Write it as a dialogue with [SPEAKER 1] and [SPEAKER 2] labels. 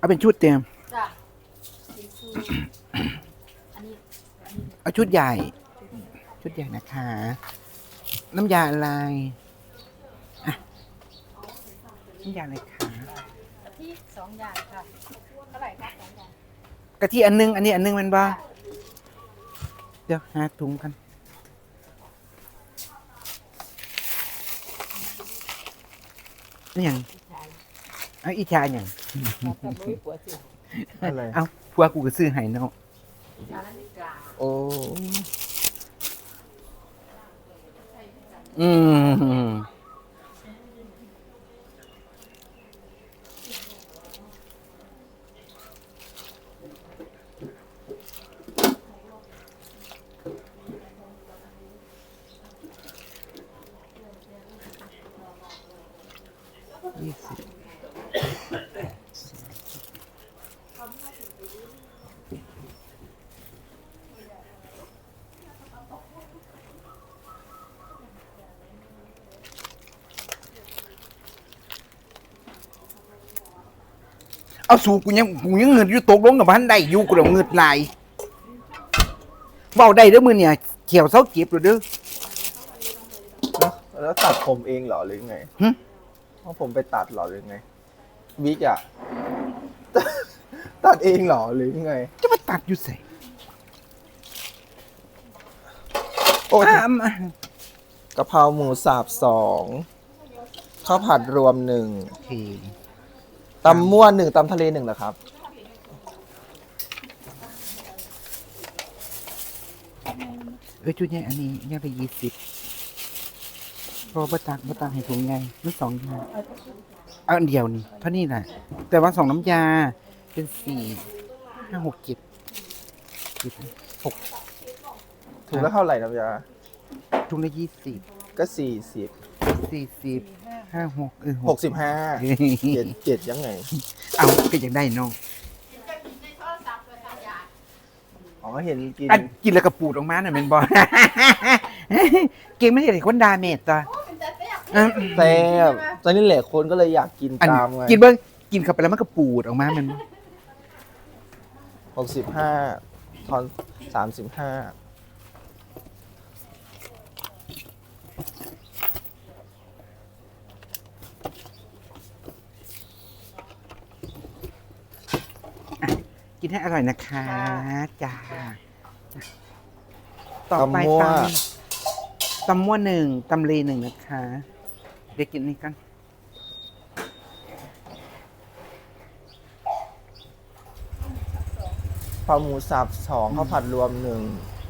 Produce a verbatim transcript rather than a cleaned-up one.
[SPEAKER 1] เอาเป็นชุดเต็ม
[SPEAKER 2] จ้ะสีฟูอันนี้อันนี้
[SPEAKER 1] เอาชุดใหญ่ ชุดใหญ่นะคะ น้ำยาอะไรอ่ะน้ำยาอะไรคะ
[SPEAKER 2] กะทิสองอย่างค่ะเท่าไหร่คะสองอย่าง
[SPEAKER 1] กะทิอันนึง อันนี้อันนึงมันบ้าเดี๋ยวหาถุงกันนี่อย่างเอาอีชาอย่าง
[SPEAKER 2] แต่ไม่ปวดสิ
[SPEAKER 3] อะไร
[SPEAKER 1] เอาพัวกูก็ซื้อให้เนาะ
[SPEAKER 2] นาฬิกา
[SPEAKER 3] โอ้
[SPEAKER 1] อืมยี่สิบเอาสู่กูยังกูยังเงินอยู่ตกลงกับพันได้อยู่กูเดี๋ยวเงินไหลายเบาได้เด้อมือเนี่ยเขียวเสาเก็บหรือเด้อ
[SPEAKER 3] แล้วแล้วตัดผมเองเหรอหรือไง
[SPEAKER 1] หึ
[SPEAKER 3] เพราะผมไปตัดเหรอหรือไงวิกอะ ตัดเองเหรอหรือไง
[SPEAKER 1] จะมาตัดอยู่ใส่
[SPEAKER 3] โอ้ย
[SPEAKER 1] อ่ะอ่ะ
[SPEAKER 3] กะเพราหมูสับสองข้าวผัดรวมหนึ่ง
[SPEAKER 1] โอเค
[SPEAKER 3] ตำมั่วหนึ่งตำทะเลหนึ่งเหรอครับ
[SPEAKER 1] เอ้ยชุดใหญ่อันนี้ยังไปยี่สิบพอประตักประตักให้ถุงใหญ่ไม่สองอย่างเอาอันเดียวนี่เท่านี้แหละแต่ว่าสองน้ำยาเป็นสี่ห้าหกเจ็ดเจ็ดหก
[SPEAKER 3] ถุงละเท่าไหร่น้ำยา
[SPEAKER 1] ถุงละยี่สิบ
[SPEAKER 3] ก็สี่สิบ
[SPEAKER 1] สี่สิบห้าหกเออ
[SPEAKER 3] หกสิบห้าเจ็ดเจ็ดยังไง
[SPEAKER 1] เอาก็ยังได้น้อง
[SPEAKER 3] อ๋อเห็นกิน
[SPEAKER 1] อันกินแล้วก็ปูดออกมาน่ะแมันบอ เก่งไม่ใช่เด็กคนดาเมจต่ออ่ะ
[SPEAKER 3] แซ่บตอนนี้แหละคนก็เลยอยากกิน
[SPEAKER 1] อัน
[SPEAKER 3] ตามไง
[SPEAKER 1] กินเบิ้งกินเข้าไปแล้วมันก็ปูดออกมามัน
[SPEAKER 3] หกสิบห้าทอนสามสิบห้า
[SPEAKER 1] กินให้อร่อยนะคะจ้าต่อไป
[SPEAKER 3] ตำมั่ว
[SPEAKER 1] ตำตำมั่วหนึ่งตำเลหนึ่งนะคะ เดี๋ยวกินนี่กัน
[SPEAKER 3] ปลาหมูสับสองข้าวผัดรวมหนึ่ง